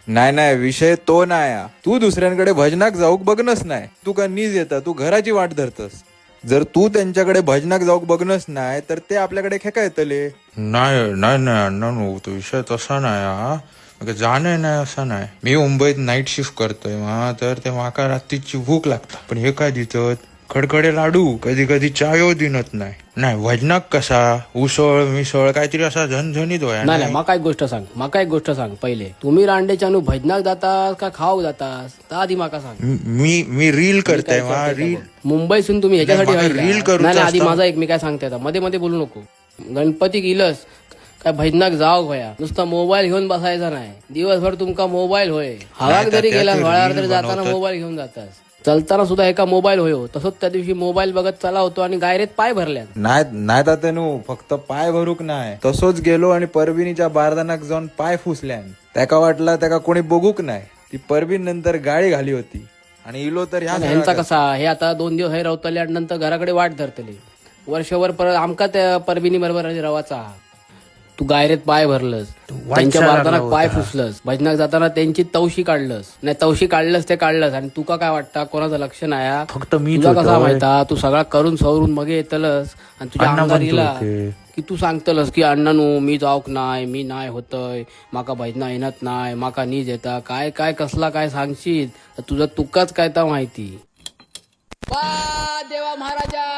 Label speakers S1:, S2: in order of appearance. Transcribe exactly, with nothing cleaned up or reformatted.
S1: नाही नाही, विषय तो नाही हा. तू दुसऱ्यांकडे भजनाक जाऊक बघनस नाही, तू का नीज येता, तू घराची वाट धरतस. जर तू त्यांच्याकडे भजनाक जाऊक बघनस नाही तर ते आपल्याकडे खेका येतले.
S2: नाही नाही नाही अण्णा नो तो विषय तसा नाही हा. मग जाणे नाही असं नाही. मी मुंबईत नाईट शिफ्ट करतोय मा तर ते माका रात्रीची भूक लागता. पण हे काय दिसत खडखडे लाडू, कधी कधी चायो दिनत नाही. नाही भजनाक कसा उसळ मिसळ काहीतरी असा झणझणीत होया.
S3: नाही नाही, मका एक गोष्ट सांग, मका एक गोष्ट सांग. पहिले तुम्ही रांडेच्यानू भजनाक जातास का खाऊक जातास ता आधी माका सांग.
S2: मी मी रील करताय मा रील.
S3: मुंबईसून तुम्ही ह्याच्यासाठी
S2: नाही, मला
S3: व्हायला?
S2: रील करूचं
S3: नाही नाही, आधी
S2: असतं.
S3: माझा एक मी काय सांगते आता, मध्ये मध्ये बोलू नको. गणपती गेलस काय भजनाक जाव होया, नुसता मोबाईल घेऊन बसायचा नाही. दिवसभर तुमका मोबाईल होय, हवाक जरी
S2: त्या-
S3: गेला
S2: त्या
S3: वळावर
S2: reel
S3: तरी जाताना
S2: बनवतात.
S3: मोबाईल घेऊन जातास. चलताना सुद्धा एका मोबाईल होयो. तसंच त्या दिवशी मोबाईल बघत चला होतो आणि गायरेत पाय भरल्यात.
S1: नाही नाही तात्यानू, फक्त पाय भरूक नाही, तसोच गेलो आणि परबिनीच्या बारदानाक जाऊन पाय फुसल्यान. त्याका वाटला त्याका कोणी बघूक नाही. ती परबीन नंतर गाळी घाली होती आणि इलो तर ह्या
S3: आणि ह्यांचा कसा, हे आता दोन दिवस हे रवतले आणि नंतर घराकडे वाट धरतले. वर्षभर परत आमका त्या परबिनी बरोबर रवाचा. तू गायरेत पाय भरलंस, त्यांच्या बारदानाक पाय फुसलंस, भजनाक जाताना त्यांची तवशी काढलंस. नाही तवशी काढलंस ते काढलंस आणि तुका काय वाटतं कोणाचं लक्ष नाही हा?
S2: फक्त मी
S3: तुझा कसा माहिता, तू सगळा करून सवरून मग येतलस आणि तुझ्या
S2: अण्णा
S3: अंगावर
S2: म्हणतो
S3: येला
S2: होते.
S3: की तू सांगतलस की अण्णानू मी जाऊक नाही, मी नाही होतय, माका भजना येणत नाही, माका नीज येता, काय काय कसला काय सांगशील तर तुझं तुकाच काय तर माहिती. वा देवा महाराजा